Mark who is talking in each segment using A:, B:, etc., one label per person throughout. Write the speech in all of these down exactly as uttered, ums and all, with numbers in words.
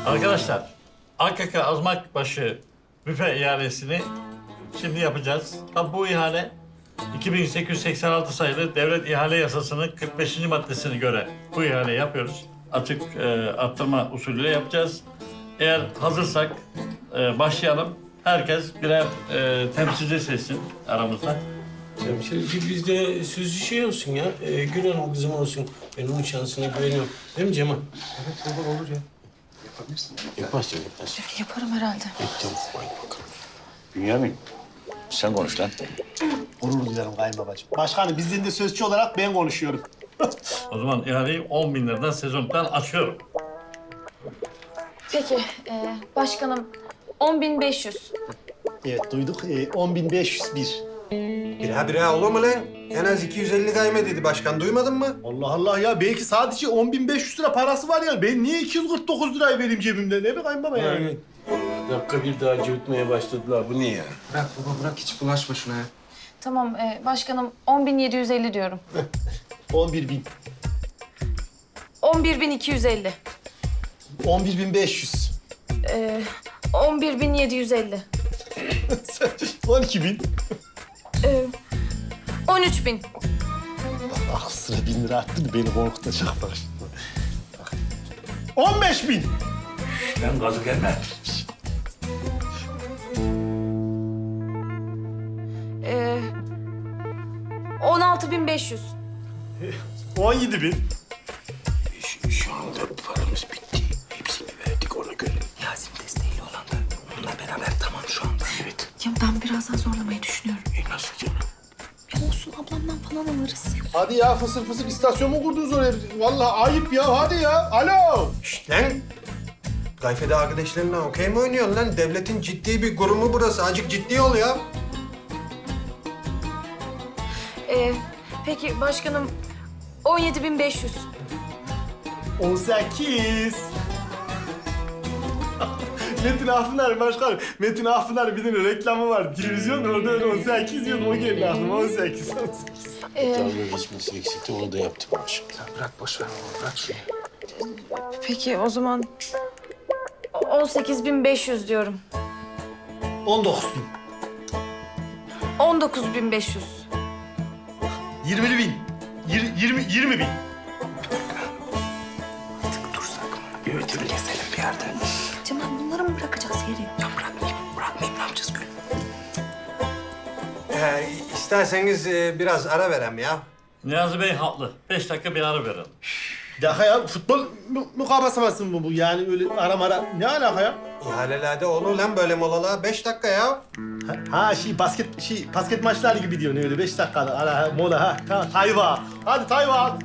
A: Arkadaşlar, A K K Azmakbaşı büfe ihalesini şimdi yapacağız. Tabi bu ihale iki bin sekiz yüz seksen altı sayılı Devlet İhale Yasası'nın kırk beşinci maddesine göre bu ihaleyi yapıyoruz. Açık e, arttırma usulüyle yapacağız. Eğer hazırsak e, başlayalım. Herkes birer e, temsilci seçsin aramızda.
B: Temsilci bizde sözlü şey olsun ya. Ee, Gül Hanım kızım olsun. Ben onun şansına güveniyorum. Değil mi Cemal?
C: Evet baba olur ya. Yapabilirsin.
B: Yaparsın yaparsın.
D: Yaparım herhalde.
B: Peki tamam. Haydi bakalım.
E: Bünyamin, sen konuş lan.
C: Onur duyarım kayınbabacığım. Başkanım bizden de sözcü olarak ben konuşuyorum.
A: O zaman ihaleyi on bin liradan sezondan açıyorum.
D: Peki e, başkanım on bin beş yüz.
C: Evet duyduk. Ee, on bin beş yüz bir.
F: Bira bira olur mu lan? En az iki yüz elli kayme dedi başkan. Duymadın mı?
C: Allah Allah ya belki sadece on bin beş yüz lira parası var ya. Ben niye iki yüz kırk dokuz lirayı vereyim cebimden? Ne be kayınbaba ya?
B: Yani. Dakika bir daha cıvıtmaya başladılar. Bu ne ya?
G: Bırak baba bırak hiç bulaşma şuna ya.
D: Tamam e, başkanım on bin yedi yüz elli diyorum.
C: on bir bin.
D: on bir bin iki yüz elli.
C: on bir bin beş yüz.
D: E, on bir bin yedi yüz elli.
C: on iki bin.
D: E, on üç bin.
C: Ah sıra bin lira arttı da beni korkutacak bak şimdi. Bak. on beş bin.
E: Lan gazı gelme.
D: E, on altı bin beş yüz.
C: on yedi bin.
F: Şu, şu anda paramız bitti. Hepsini verdik ona göre.
G: Yasin desteğiyle olan da onunla beraber tamam şu anda.
F: Evet.
D: Ya ben biraz daha zorlamayı düşünüyorum.
F: E nasıl canım?
D: Ya olsun ablamdan falan alırız.
C: Hadi ya fısır fısır istasyon mu kurdunuz oraya? Vallahi ayıp ya hadi ya. Alo.
F: Şşt lan! Gayfede arkadaşlarınla okey mi oynuyorsun lan? Devletin ciddi bir kurumu burası. Azıcık ciddi ol ya.
D: E, peki başkanım on yedi bin beş yüz.
C: on sekiz. Metin Afınar başkanım. Metin Afınar bir tane reklamı var. Televizyon orada öyle on sekiz diyordu. O geldi aklıma on sekiz. on sekiz.
D: E,
B: Dalga geçmesi eksikti. Onu da yaptım maşallah.
G: Ya bırak boş ver baba bırak şunu.
D: peki o zaman on sekiz bin beş yüz diyorum.
C: on dokuz bin.
D: on dokuz bin beş yüz.
C: yirmi bin. Yir- yirmi, yirmi bin.
G: Artık dursak mı? Bir ödül keselim bir yerde.
D: Cemal bunları mı bırakacağız yeri?
G: Ya bırakmayayım bırakmayayım ne yapacağız Gül?
F: Ee, isterseniz e, biraz ara verem ya.
A: Niyazi Bey haklı. Beş dakika bir ara verelim.
C: Bir dakika ya futbol mu- mukabasaması mı bu? Yani öyle ara mara ne alaka ya?
F: İhalelerde olur lan böyle molalar. Beş dakika ya.
C: Ha, ha şey basket şey basket maçları gibi diyorsun öyle beş dakikada ara ha, mola ha. Tamam Tayva. Hadi Tayva.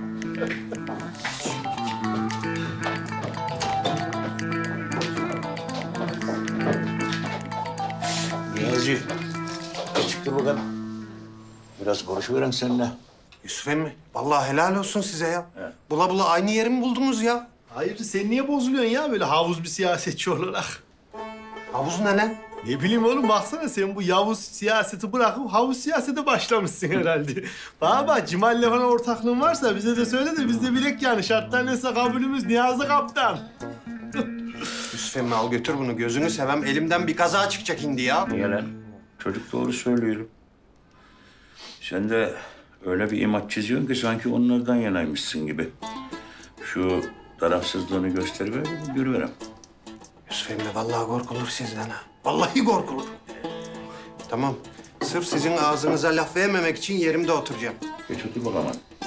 E: Niyazi, çıktı bakalım. Biraz konuşuverem seninle.
F: Yusuf emmi, vallahi helal olsun size ya.
E: Evet.
F: Bula bula aynı yeri mi buldunuz ya?
C: Hayır sen niye bozuluyorsun ya böyle havuz bir siyasetçi olarak?
F: Havuz ne lan?
C: Ne bileyim oğlum baksana sen bu Yavuz siyaseti bırakıp havuz siyasete başlamışsın herhalde. Bana bak Cimal'le falan ortaklığın varsa bize de söyle de biz de bilek yani şartlar neyse kabulümüz Niyazi Kaptan.
F: Yusuf emmi al götür bunu. Gözünü sevem. Elimden bir kaza çıkacak indi ya.
E: Niye lan? Çocuk doğru söylüyorum. Sen de öyle bir imaj çiziyorsun ki sanki onlardan yanaymışsın gibi. Şu tarafsızlığını gösteriver, görüverem.
F: Yusuf emmi vallahi korkulur sizden ha. Vallahi korkulur. Tamam. Sırf sizin ağzınıza laf vermemek için yerimde oturacağım.
E: Geç otur bakalım.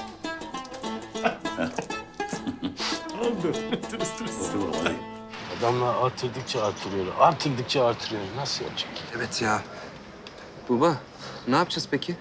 C: Oldu. Tırıs tırıs.
E: Otur bakalım. hadi.
B: Adamlar artırdıkça artırıyor. Artırdıkça artırıyor. Nasıl yapacak?
G: Evet ya. Baba ne yapacağız peki?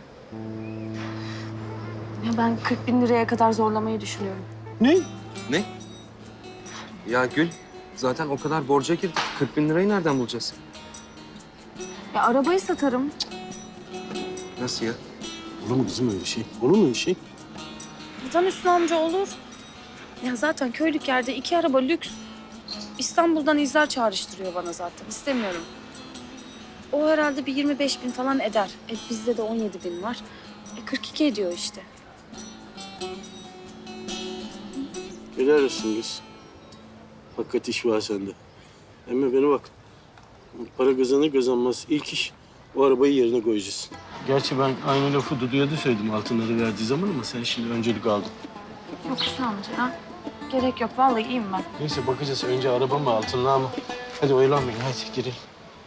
D: Ya ben kırk bin liraya kadar zorlamayı düşünüyorum.
B: Ne?
G: Ne? Ya Gül zaten o kadar borca girdik. kırk bin lirayı nereden bulacağız?
D: Ya arabayı satarım.
G: Nasıl ya?
B: Olur mu kızım öyle şey? Olur mu öyle şey?
D: Neden Hüsnü amca olur? Ya zaten köylük yerde iki araba lüks. İstanbul'dan izler çağrıştırıyor bana zaten. İstemiyorum. O herhalde bir yirmi beş bin falan eder. E bizde de on yedi bin var. E kırk iki ediyor işte.
B: Helal olsun kız. Hakikat iş var sende. Emmi bana bak. Para kazanır kazanmaz ilk iş o arabayı yerine koyacağız. Gerçi ben aynı lafı Dudu'ya da söyledim altınları verdiği zaman ama sen şimdi öncelik aldın.
D: Yok Hüsnü amca ya. Gerek yok. Vallahi iyiyim ben.
B: Neyse bakacağız. Önce araba mı altınlar mı? Hadi oyalanmayın. Hadi girelim.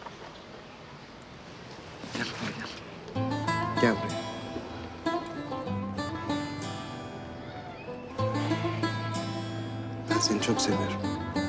G: Gel buraya.
F: Ben seni çok seviyorum.